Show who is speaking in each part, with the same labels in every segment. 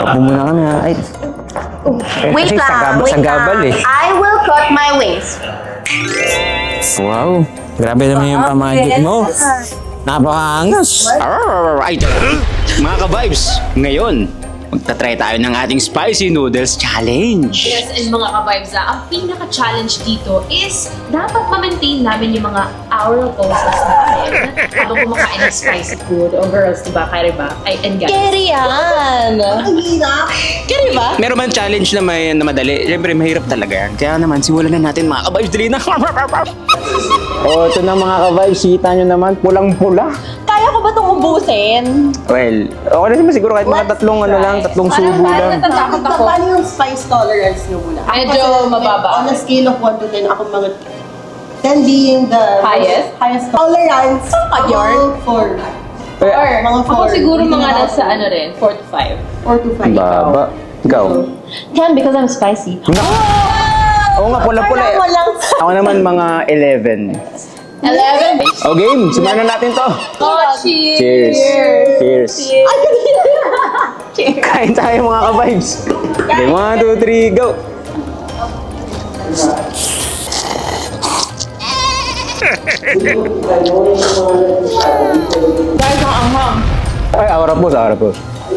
Speaker 1: Takbo muna kami ha. Ay.
Speaker 2: Wait
Speaker 1: Kasi
Speaker 2: lang, wait
Speaker 1: sagabal
Speaker 2: lang.
Speaker 1: eh.
Speaker 2: I will cut my wings.
Speaker 1: Wow. Grabe naman yung pamagic mo. Napakaangas.
Speaker 3: Ay, mga ka-vibes, ngayon, magta-try tayo ng ating Spicy Noodles Challenge.
Speaker 4: Yes, and mga ka-vibes ang pinaka-challenge dito is dapat ma-maintain namin yung mga oral poses namin habang kumakain ng spicy food. O girls, diba? Kaya ba? Ay, and guys.
Speaker 2: Carry yan! Carry ba?
Speaker 3: Meron man challenge na may na madali. Siyempre, mahirap talaga yan. Kaya naman, simulan na natin mga ka-vibes. Dali na.
Speaker 1: Oh, ito na mga ka-vibes. Kita nyo naman, pulang-pula.
Speaker 2: Kaya ko ba itong ubusin?
Speaker 1: Well, okay na naman siguro kahit mga tatlong ano lang, tatlong subo lang.
Speaker 4: Natatakot ako.
Speaker 5: Paano yung spice tolerance nyo muna? Ako
Speaker 4: Medyo
Speaker 5: kasi,
Speaker 4: mababa.
Speaker 5: On a scale of 1 to 10, ako mga 10 being the
Speaker 4: Highest?
Speaker 5: tolerance.
Speaker 4: York?
Speaker 5: 4.
Speaker 4: Or,
Speaker 5: Mga
Speaker 4: ako
Speaker 5: four.
Speaker 4: siguro
Speaker 5: Hindi
Speaker 4: mga
Speaker 5: na
Speaker 4: nasa
Speaker 5: ako.
Speaker 4: ano rin, 4 to 5.
Speaker 5: 4 to 5.
Speaker 1: Baba. Ikaw.
Speaker 2: 10 because I'm spicy.
Speaker 1: Oo nga, pula-pula eh. Ako naman mga 11.
Speaker 4: 11.
Speaker 1: O game, simulan na natin to.
Speaker 4: Oh, cheers!
Speaker 1: Cheers. Kain tayo mga ka-vibes. Okay, 1, 2, 3, go.
Speaker 4: Guys, ang anghang.
Speaker 1: Ay, aura po.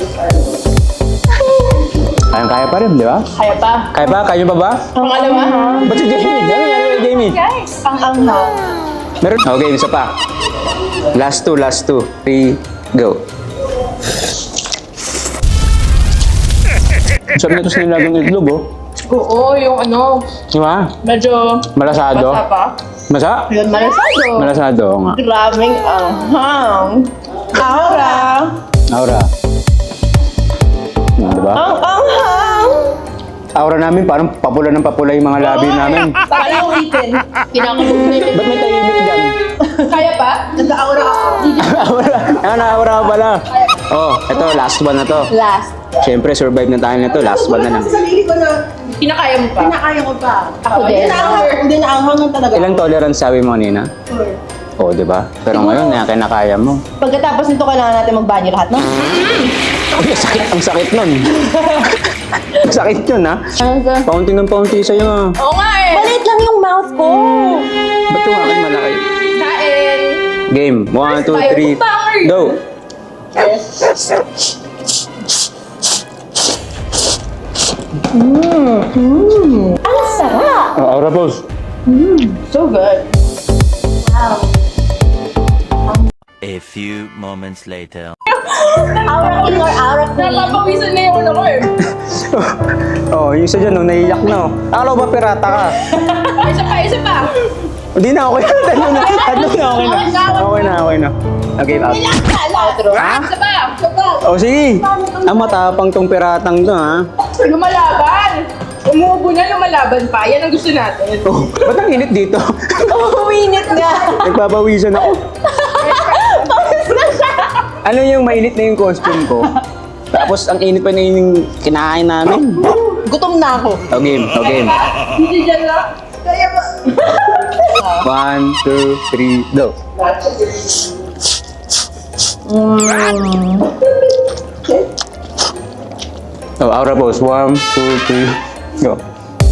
Speaker 1: Kaya pa rin, di ba?
Speaker 4: Kaya pa.
Speaker 1: Kaya pa? Kaya pa ba?
Speaker 4: Ang alam mo?
Speaker 1: Ba't si Jamie? Ano nangyari kay Jamie?
Speaker 4: Guys, ang anghang.
Speaker 1: Meron? Okay, isa pa. Last two. 3, go. Sabi nito sa nilagang itlog, oh.
Speaker 4: Oo, yung ano,
Speaker 1: Di ba?
Speaker 4: medyo
Speaker 1: Malasado.
Speaker 4: basa pa.
Speaker 1: Masa?
Speaker 4: Yun, malasado.
Speaker 1: Malasado, oo nga.
Speaker 4: Grabing anghang. Aura.
Speaker 1: Aura. Di ba?
Speaker 4: Ang anghang.
Speaker 1: Aura namin, parang papula ng papula yung mga labi namin.
Speaker 4: Kaya ulitin. Kinakabog na yun.
Speaker 1: Ba't may tahimik dyan?
Speaker 4: Kaya pa?
Speaker 5: Nag-aura ako.
Speaker 1: Aura. Aura ka pala. Oh, ito, last one na to.
Speaker 4: Last.
Speaker 1: Siyempre, survive na tayo nito. Last one na lang.
Speaker 5: Sa sarili ko na,
Speaker 4: Kinakaya mo pa?
Speaker 5: pinakaya ko pa.
Speaker 4: Ako din.
Speaker 5: Hindi na anghang lang talaga.
Speaker 1: Ilang tolerance sabi mo, Nina?
Speaker 5: 4.
Speaker 1: Oo, di ba? Pero ngayon, kinakaya mo.
Speaker 2: Pagkatapos nito, kailangan natin magbanyo lahat, no?
Speaker 1: Ay, ang sakit nun. Ang sakit yun, ha? Paunti ng paunti sa'yo, ha?
Speaker 4: Oo nga eh.
Speaker 2: Maliit lang yung mouth ko.
Speaker 1: Ba't yung akin malaki?
Speaker 4: Kain.
Speaker 1: Game. 1, 2, 3, go!
Speaker 2: Ang sarap!
Speaker 1: Oh, aura pose.
Speaker 4: So good.
Speaker 6: A few moments later.
Speaker 2: Aura king or aura queen?
Speaker 4: Napapawisan na yung ano ko eh.
Speaker 1: Oh, yung isa dyan, no, naiyak na, oh. Akala ko ba pirata ka?
Speaker 4: Isa pa.
Speaker 1: Hindi na, okay na. Tatlo na, okay na. Okay, out.
Speaker 4: Outro.
Speaker 1: Ha?
Speaker 4: Isa pa.
Speaker 1: Oh, sige. Ang matapang tong piratang to, ha?
Speaker 4: Lumalaban. Umuubo na, lumalaban pa. Yan ang gusto natin.
Speaker 1: Oh, ba't ang init dito?
Speaker 2: Uminit nga.
Speaker 1: Nagpapawisan ako. Ano yung mainit na yung costume ko? Tapos ang init pa na yung kinakain namin.
Speaker 2: Gutom na ako.
Speaker 1: Oh, game.
Speaker 4: Hindi dyan lang.
Speaker 1: 1, 2, 3, go. Oh, aura pose. 1, 2, 3, go.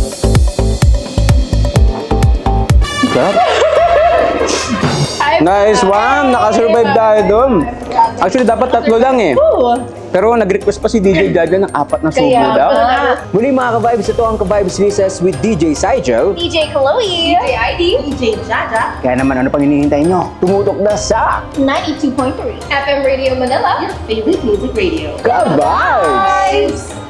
Speaker 1: Sarap. Nice one! Nakasurvive tayo doon. Actually, dapat tatlo lang eh. Pero nag-request pa si DJ Jaja ng 4 na subo daw. Muli mga ka-vibes, ito ang ka-vibes recess with DJ Saijo.
Speaker 2: DJ Chloe.
Speaker 4: DJ ID.
Speaker 5: DJ Jaja.
Speaker 1: Kaya naman, ano pang hinihintay nyo? Tumutok na sa
Speaker 2: 92.3.
Speaker 4: FM Radio Manila.
Speaker 5: Your favorite music radio.
Speaker 1: ka-vibes!